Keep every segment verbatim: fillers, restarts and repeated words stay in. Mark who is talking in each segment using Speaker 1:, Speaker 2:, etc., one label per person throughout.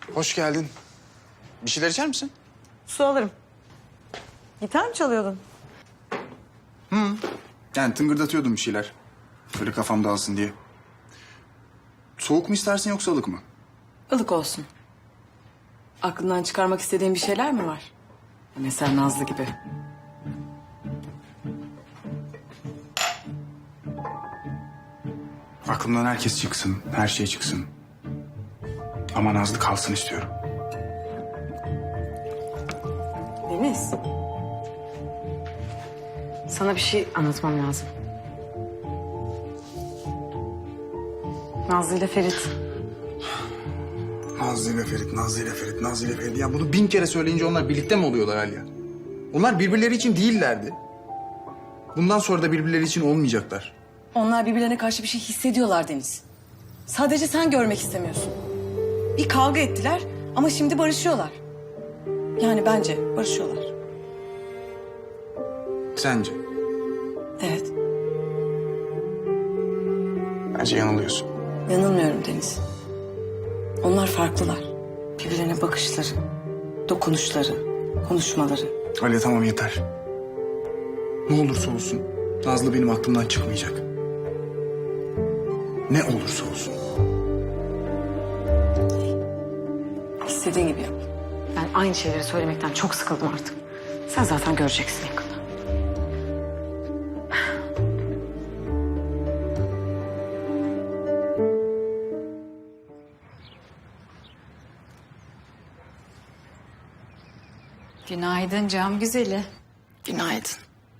Speaker 1: Hoş geldin. Bir şeyler içer misin?
Speaker 2: Su alırım. Gitar mı çalıyordun?
Speaker 1: Yani tıngırdatıyordum bir şeyler. Böyle kafam dağılsın diye. Soğuk mu istersin yoksa ılık mı?
Speaker 2: Ilık olsun. Aklından çıkarmak istediğin bir şeyler mi var? Mesela Nazlı gibi.
Speaker 1: Aklımdan herkes çıksın, her şey çıksın. Ama Nazlı kalsın istiyorum.
Speaker 2: Deniz. Sana bir şey anlatmam lazım. Nazlı ile Ferit.
Speaker 1: Nazlı ile Ferit, Nazlı ile Ferit, Nazlı ile Ferit. Ya bunu bin kere söyleyince onlar birlikte mi oluyorlar Alya? Onlar birbirleri için değillerdi. Bundan sonra da birbirleri için olmayacaklar.
Speaker 2: Onlar birbirlerine karşı bir şey hissediyorlar Deniz. Sadece sen görmek istemiyorsun. Bir kavga ettiler ama şimdi barışıyorlar. Yani bence barışıyorlar.
Speaker 1: Sence?
Speaker 2: Evet,
Speaker 1: Bence yanılıyorsun.
Speaker 2: yanılmıyorum Deniz. Onlar farklılar. Birbirlerine bakışları, dokunuşları, konuşmaları.
Speaker 1: Alya tamam yeter. Ne olursa olsun Nazlı benim aklımdan çıkmayacak. Ne olursa olsun.
Speaker 2: İstediğin gibi yap. Ben aynı şeyleri söylemekten çok sıkıldım artık. Sen zaten göreceksin yakında.
Speaker 3: Günaydın cam güzeli.
Speaker 2: Günaydın.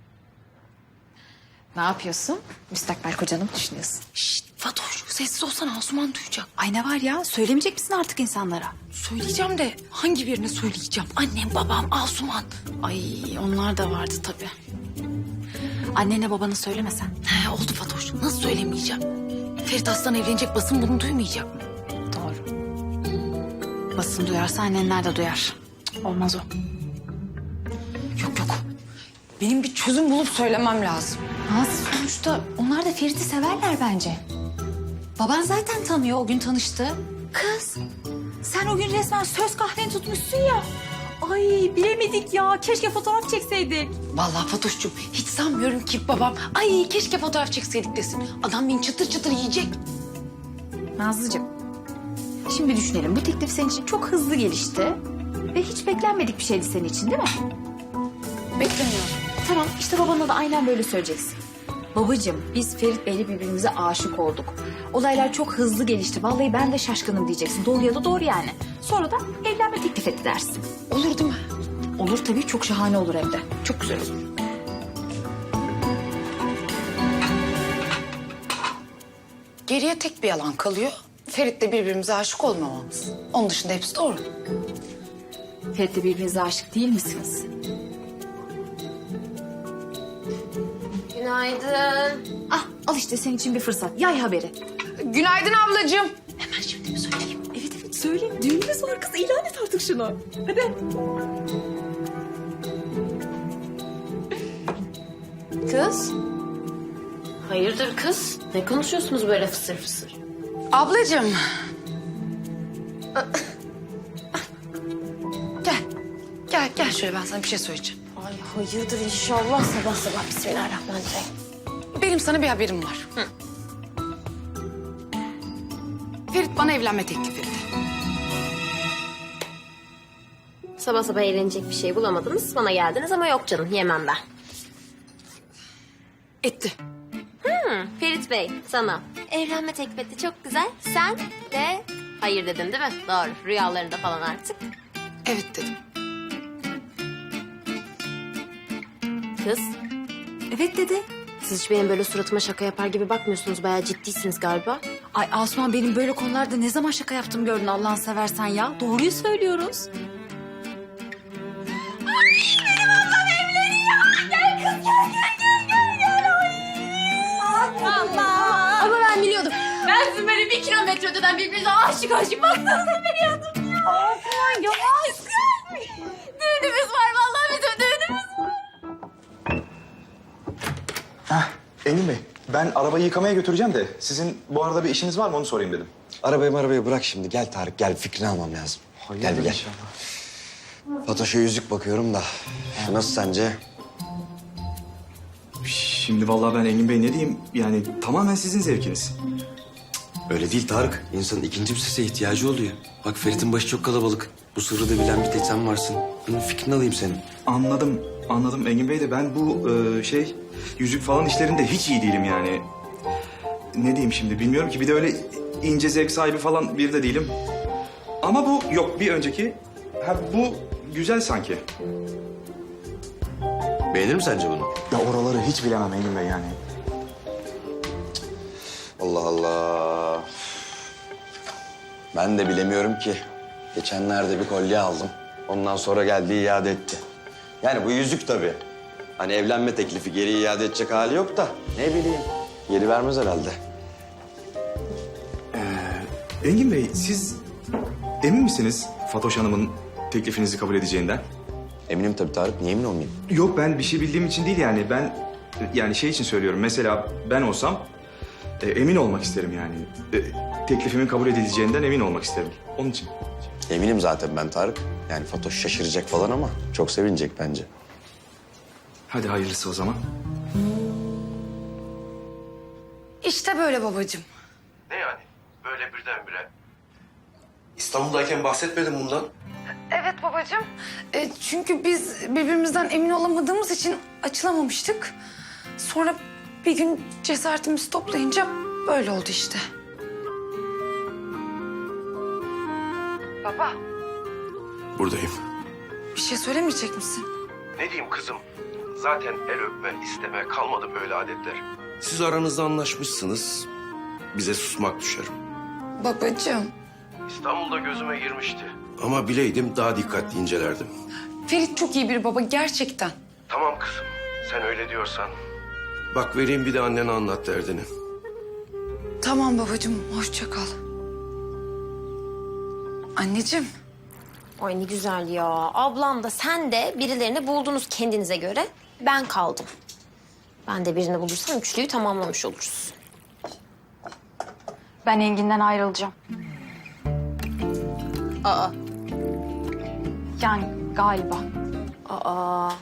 Speaker 3: Ne yapıyorsun? Müstakbel kocanı mı düşünüyorsun?
Speaker 4: Şşt Fatoş, sessiz olsana, Asuman duyacak.
Speaker 3: Ay ne var ya? Söylemeyecek misin artık insanlara?
Speaker 4: Söyleyeceğim de hangi birine söyleyeceğim? Annem, babam, Asuman.
Speaker 3: Ay onlar da vardı tabii. Annene babana söylemesen.
Speaker 4: He, oldu Fatoş, nasıl söylemeyeceğim? Ferit Aslan evlenecek, basın bunu duymayacak mı?
Speaker 3: Doğru. Basın duyarsa annenler de duyar. Cık, olmaz o.
Speaker 4: Yok yok, benim bir çözüm bulup söylemem lazım.
Speaker 3: Nasıl sonuçta onlar da Ferit'i severler bence. Baban zaten tanıyor, o gün tanıştı. Kız, sen o gün resmen söz kahveni tutmuşsun ya. Ay bilemedik ya, keşke fotoğraf çekseydik.
Speaker 4: Vallahi Fatoş'cum, hiç sanmıyorum ki babam, ay keşke fotoğraf çekseydik desin. Adam beni çıtır çıtır yiyecek.
Speaker 3: Nazlıcığım, şimdi düşünelim. Bu teklif senin için çok hızlı gelişti. Ve hiç beklenmedik bir şeydi senin için değil mi?
Speaker 4: Beklemiyorum.
Speaker 3: Tamam, işte babana da aynen böyle söyleyeceksin. Babacığım, biz Ferit Bey'le birbirimize aşık olduk. Olaylar çok hızlı gelişti. Vallahi ben de şaşkınım diyeceksin. Doğru ya da doğru yani. Sonra da evlenme teklif etti dersin.
Speaker 4: Olur değil mi?
Speaker 3: Olur tabii, çok şahane olur evde. Çok güzel olur.
Speaker 4: Geriye tek bir yalan kalıyor. Ferit'le birbirimize aşık olmamamız. Onun dışında hepsi doğru.
Speaker 3: Ferit'le birbirinize aşık değil misiniz?
Speaker 5: Günaydın.
Speaker 3: Ah, al işte senin için bir fırsat. Yay haberi.
Speaker 4: Günaydın ablacığım. Hemen şimdi mi söyleyeyim?
Speaker 3: Evet evet söyleyeyim. Düğünümüz var kız. İlan et artık şunu. Hadi.
Speaker 5: Kız. Hayırdır kız? Ne konuşuyorsunuz böyle fısır fısır?
Speaker 4: Ablacığım. Gel. Gel, gel şöyle, ben sana bir şey söyleyeceğim.
Speaker 5: Ay hayırdır inşallah sabah sabah bismillahirrahmanirrahim.
Speaker 4: Benim sana bir haberim var. Hı. Ferit bana evlenme teklif etti.
Speaker 5: Sabah sabah eğlenecek bir şey bulamadınız. Bana geldiniz ama yok canım yemem ben.
Speaker 4: Etti.
Speaker 5: Hı, Ferit Bey sana evlenme teklif etti çok güzel. Sen de hayır dedin değil mi? Doğru rüyalarında falan artık.
Speaker 4: Evet dedim.
Speaker 5: Kız
Speaker 3: Evet dedi.
Speaker 5: siz hiç benim böyle suratıma şaka yapar gibi bakmıyorsunuz. Bayağı ciddisiniz galiba.
Speaker 3: Ay Asuman, benim böyle konularda ne zaman şaka yaptım gördün Allah'ını seversen ya. Doğruyu söylüyoruz.
Speaker 5: Ama ben biliyordum. Ben sizin böyle bir kilometre öteden birbirinize aşık aşık baktığınızı biliyordum ya. Aman yavaş. Düğünümüz var vallahi bizim düğünümüz var.
Speaker 6: Hah, Engin Bey, ben arabayı yıkamaya götüreceğim de sizin bu arada bir işiniz var mı onu sorayım dedim.
Speaker 7: Arabayı arabayı bırak şimdi. Gel Tarık gel, fikrini almam lazım.
Speaker 6: Hayırdır
Speaker 7: Gel, gel.
Speaker 6: inşallah.
Speaker 7: Fatoş'a yüzük bakıyorum da. Şu nasıl sence?
Speaker 6: Şimdi vallahi ben Engin Bey ne diyeyim? Yani tamamen sizin zevkiniz.
Speaker 7: Öyle değil Tarık. İnsanın ikinci bir sese ihtiyacı oluyor. Bak Ferit'in başı çok kalabalık. Bu sırrı da bilen bir tek sen varsın. Bunun fikrini alayım senin.
Speaker 6: Anladım, anladım Engin Bey de ben bu e, şey yüzük falan işlerinde hiç iyi değilim yani. Ne diyeyim şimdi bilmiyorum ki bir de öyle ince zevk sahibi falan biri de değilim. Ama bu yok bir önceki. Ha bu güzel sanki.
Speaker 7: Beğenir mi sence bunu?
Speaker 6: Ya oraları hiç bilemem Engin Bey yani.
Speaker 7: Allah Allah. Ben de bilemiyorum ki. Geçenlerde bir kolye aldım. Ondan sonra geldi iade etti. Yani bu yüzük tabii. Hani evlenme teklifi geri iade edecek hali yok da. Ne bileyim. Geri vermez herhalde.
Speaker 6: Engin Bey siz emin misiniz Fatoş Hanım'ın teklifinizi kabul edeceğinden?
Speaker 7: Eminim tabii Tarık. Niye emin olmayayım?
Speaker 6: Yok ben bir şey bildiğim için değil yani ben yani şey için söylüyorum. Mesela ben olsam e, emin olmak isterim yani. E, teklifimin kabul edileceğinden emin olmak isterim. Onun için.
Speaker 7: Eminim zaten ben Tarık. Yani Fatoş şaşıracak falan ama çok sevinecek bence.
Speaker 6: Hadi hayırlısı o zaman.
Speaker 4: İşte böyle babacığım.
Speaker 8: Ne yani? Böyle birdenbire. İstanbul'dayken bahsetmedin bundan.
Speaker 4: Evet babacığım. E, çünkü biz birbirimizden emin olamadığımız için açılamamıştık. Sonra bir gün cesaretimizi toplayınca böyle oldu işte. Baba,
Speaker 8: Buradayım.
Speaker 4: bir şey söylemeyecek misin?
Speaker 8: Ne diyeyim kızım? Zaten el öpme, isteme kalmadı böyle adetler. Siz aranızda anlaşmışsınız. Bize susmak düşer.
Speaker 4: Babacığım,
Speaker 8: İstanbul'da gözüme girmişti. Ama bileydim daha dikkatli incelerdim.
Speaker 4: Ferit çok iyi bir baba gerçekten.
Speaker 8: Tamam kızım, sen öyle diyorsan. Bak vereyim bir de annene anlat derdini.
Speaker 4: Tamam babacığım, hoşça kal. Anneciğim,
Speaker 5: Ay ne güzel ya. Ablam da sen de birilerini buldunuz kendinize göre. Ben kaldım. Ben de birini bulursam üçlüyü tamamlamış oluruz.
Speaker 3: Ben Engin'den ayrılacağım.
Speaker 5: Aa.
Speaker 3: Yani galiba.
Speaker 5: Aa.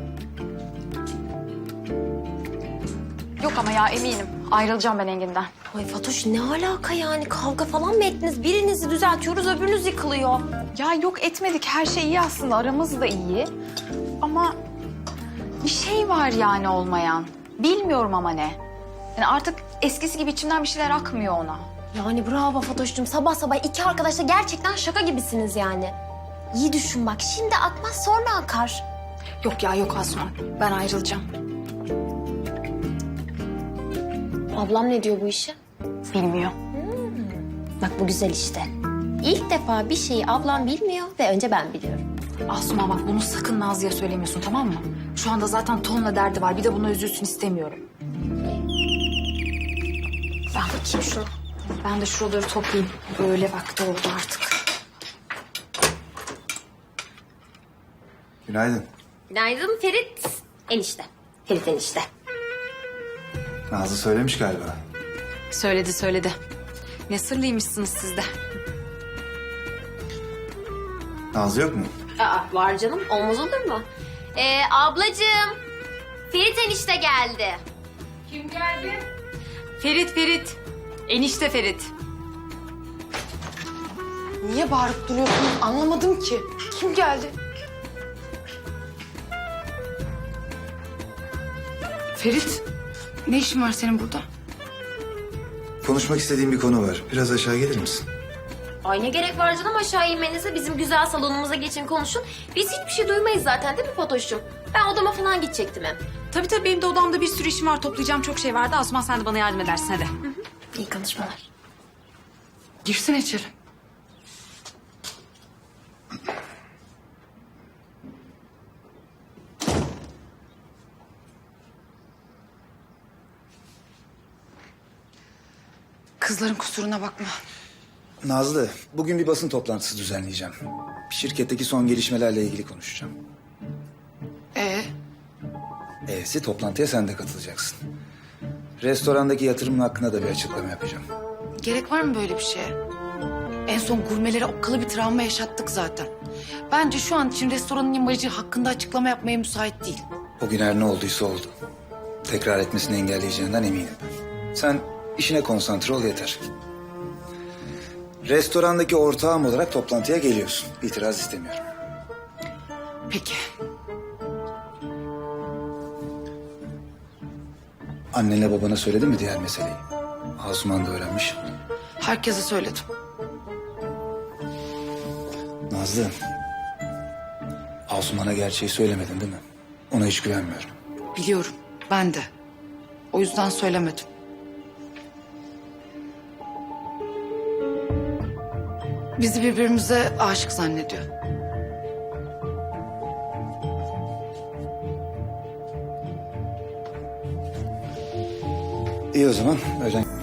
Speaker 3: Yok ama ya eminim. Ayrılacağım ben Engin'den.
Speaker 5: Ay Fatoş ne alaka yani? Kavga falan mı ettiniz? Birinizi düzeltiyoruz öbürünüz yıkılıyor.
Speaker 3: Ya yok etmedik. Her şey iyi aslında. Aramız da iyi. Ama bir şey var yani olmayan. Bilmiyorum ama ne. Yani artık eskisi gibi içimden bir şeyler akmıyor ona.
Speaker 5: Yani bravo Fatoş'cum. Sabah sabah iki arkadaş da gerçekten şaka gibisiniz yani. İyi düşün bak. Şimdi akmaz sonra akar.
Speaker 3: Yok ya yok Asuman. Ben ayrılacağım.
Speaker 5: Ablam ne diyor bu işe?
Speaker 3: Bilmiyor.
Speaker 5: Bak bu güzel işte. İlk defa bir şeyi ablam bilmiyor ve önce ben biliyorum.
Speaker 3: Asuman bak bunu sakın Nazlı'ya söylemiyorsun tamam mı? Şu anda zaten tonla derdi var. Bir de buna üzülsün istemiyorum.
Speaker 5: Ben bakayım şuna.
Speaker 3: Ben de şuraları toplayayım. Öyle vakti oldu artık.
Speaker 1: Günaydın.
Speaker 5: Günaydın Ferit. Enişte. Ferit enişte.
Speaker 1: Nazlı söylemiş galiba.
Speaker 3: Söyledi söyledi. Ne sırlıymışsınız siz de.
Speaker 1: Nazlı yok mu?
Speaker 5: Aa, var canım. Olmaz olur mu? Ee, ablacığım. Ferit enişte geldi.
Speaker 3: Ferit Ferit. Enişte Ferit.
Speaker 4: niye bağırıp duruyorsunuz anlamadım ki. Kim geldi? Ferit, ne işin var senin burada?
Speaker 1: Konuşmak istediğim bir konu var. Biraz aşağı gelir misin?
Speaker 5: Ay ne gerek var canım aşağı inmenize. Bizim güzel salonumuza geçin konuşun. Biz hiçbir şey duymayız zaten değil mi Fatoş'cum? Ben odama falan gidecektim hem.
Speaker 3: Tabii tabii benim de odamda bir sürü işim var. Toplayacağım çok şey vardı. Asuman sen de bana yardım edersin hadi.
Speaker 5: İyi konuşmalar.
Speaker 4: Girsene içeri. Kızların kusuruna bakma.
Speaker 9: Nazlı, bugün bir basın toplantısı düzenleyeceğim. Şirketteki son gelişmelerle ilgili konuşacağım.
Speaker 4: Ee,
Speaker 9: E'si toplantıya sen de katılacaksın. Restorandaki yatırımın hakkında da bir açıklama yapacağım.
Speaker 4: gerek var mı böyle bir şeye? En son gurmelere okkalı bir travma yaşattık zaten. Bence şu an için restoranın imajı hakkında açıklama yapmaya müsait değil.
Speaker 9: O gün her ne olduysa oldu. Tekrar etmesini engelleyeceğinden eminim. Sen işine konsantre ol yeter. Restorandaki ortağım olarak toplantıya geliyorsun. İtiraz istemiyorum.
Speaker 4: Peki.
Speaker 9: Annenle babana söyledin mi diğer meseleyi? Asuman da öğrenmiş.
Speaker 4: Herkese söyledim.
Speaker 9: Nazlı, Asuman'a gerçeği söylemedin değil mi? Ona hiç güvenmiyorum.
Speaker 4: Biliyorum. Ben de. O yüzden söylemedim. Bizi birbirimize aşık zannediyor.
Speaker 9: İyi o zaman, öğlen...